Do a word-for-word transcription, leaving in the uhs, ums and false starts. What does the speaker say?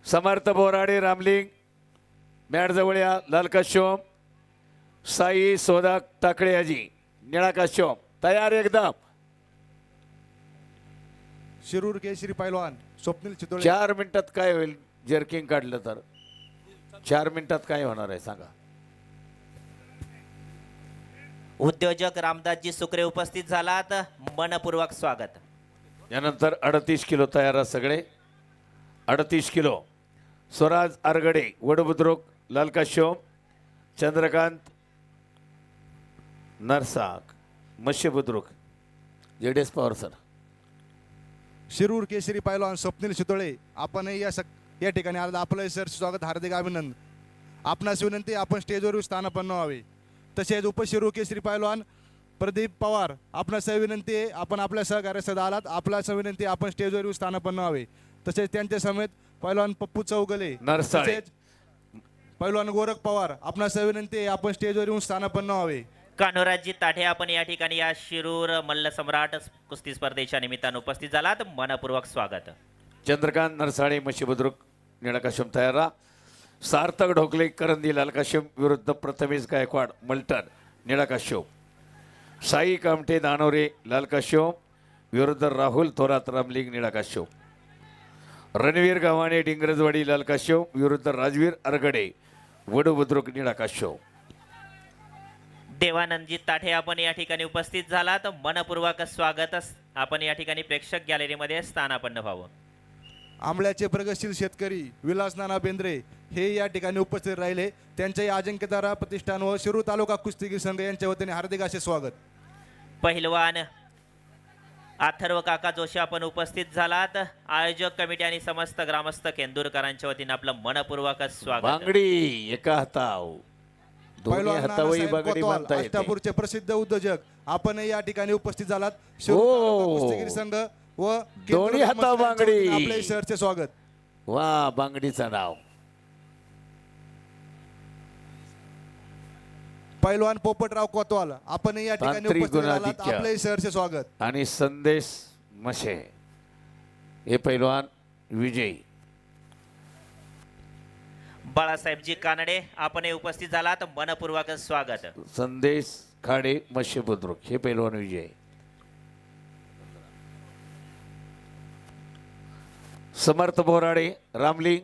समर्थ Borade Ramling mat जवळ या. लाल काश्योम साई सोदा टाकळे आजी निळा काश्योम तयार एकदम. शिरूर केसरी पैलवान स्वप्नील चितोळे. चार मिनिटात काय होईल जर्किंग काढलं तर? चार मिनिटात काय होणार आहे सांगा? उद्योजक रामदासजी सुकरे उपस्थित झालात, मनपूर्वक स्वागत. यानंतर अडतीस किलो तयार आहे सगळे. अडतीस किलो स्वराज आरगडे वडबुद्रुक लाल काश्योम चंद्रकांत नरसाक मत्स्य बुद्रुक जेडेस पवार सर. शिरूर केसरी पैलवान स्वप्नील चितोळे आपणही या सक या ठिकाणी आलं आपलं सर स्वागत हार्दिक अभिनंदन. आपणास विनंती आपण स्टेजवर स्थानापन्न व्हावे. तसेच उपशिरूर केसरी पैलवान प्रदीप पवार आपणास विनंती आहे आपण आपल्या सहकार्यासह आलात आपल्यास विनंती आपण स्टेजवर स्थानापन्न व्हावे. तसेच त्यांच्या समेत पैलवान पप्पू चौगले नरसाळे. तसेच पैलवान गोरख पवार आपणास विनंती आहे आपण स्टेजवर येऊन स्थानापन्न व्हावे. कान्होराजी ताठे आपण या ठिकाणी या शिरूर मल्ल सम्राट कुस्ती स्पर्धेच्या निमित्तानं उपस्थित झालात, मनपूर्वक स्वागत. चंद्रकांत नरसाळे मत्स्य बुद्रुक निळा काश्योम तयार राहा. सार्थक ढोकले करंदी लाल काश्योम विरुद्ध प्रथमेश गायकवाड मल्टन निळा काश्योम. साई कामटे दानोरे लाल काश्योम विरुद्ध राहुल थोरात रामलिंग निळा काश्योम. रणवीर गावाने डिंगरजवाडी लाल काश्योम विरुद्ध राजवीर अरगडे वडू बुद्रुक निळा काश्योम. देवानंदजी ताठे आपण या ठिकाणी उपस्थित झालात, मनपूर्वक स्वागत. आपण या ठिकाणी प्रेक्षक गॅलरीमध्ये स्थानापन्न व्हावं. आंबळ्याचे प्रगतशील शेतकरी विलास नाना बेंद्रे हे या ठिकाणी उपस्थित राहिले. त्यांच्याही अजिंक्यतारा प्रतिष्ठान व शिरूर तालुका कुस्तीगीर संघ यांच्या वतीने हार्दिक असे स्वागत. पहिलवान अथर्व काका जोशी आपण उपस्थित झालात. आयोजक कमिटी आणि समस्त ग्रामस्थ केंदूरकरांच्या वतीने आपलं मनपूर्वक स्वागत. बांगडी एका हाताव दोन्ही पैलवान हातावही नानासाहेब बांगडी कोतवाल, बांधता येते. अष्टापूरचे प्रसिद्ध उद्योजक आपण या ठिकाणी उपस्थित झालात. शिरूर हो. तालुका कुस्तीगीर संघ व दोन्ही केंद्र हातावर ग्रामस्थांच्या वतीने बांगडी. आपले सरचे स्वागत. वा बांगडीचं नाव. पैलवान पोपटराव कोतवाल आपण या ठिकाणी तांत्रिक उपस्थित झालात. गुणाधिक्य. आपले सरचे स्वागत. आणि संदेश मशे हे पैलवान विजयी. बाळासाहेबजी कानडे आपण उपस्थित झालात, मनपूर्वक स्वागत. संदेश खाडे मत्स्य बुद्रुक हे पैलवान विजय. समर्थ बोराडे रामलिंग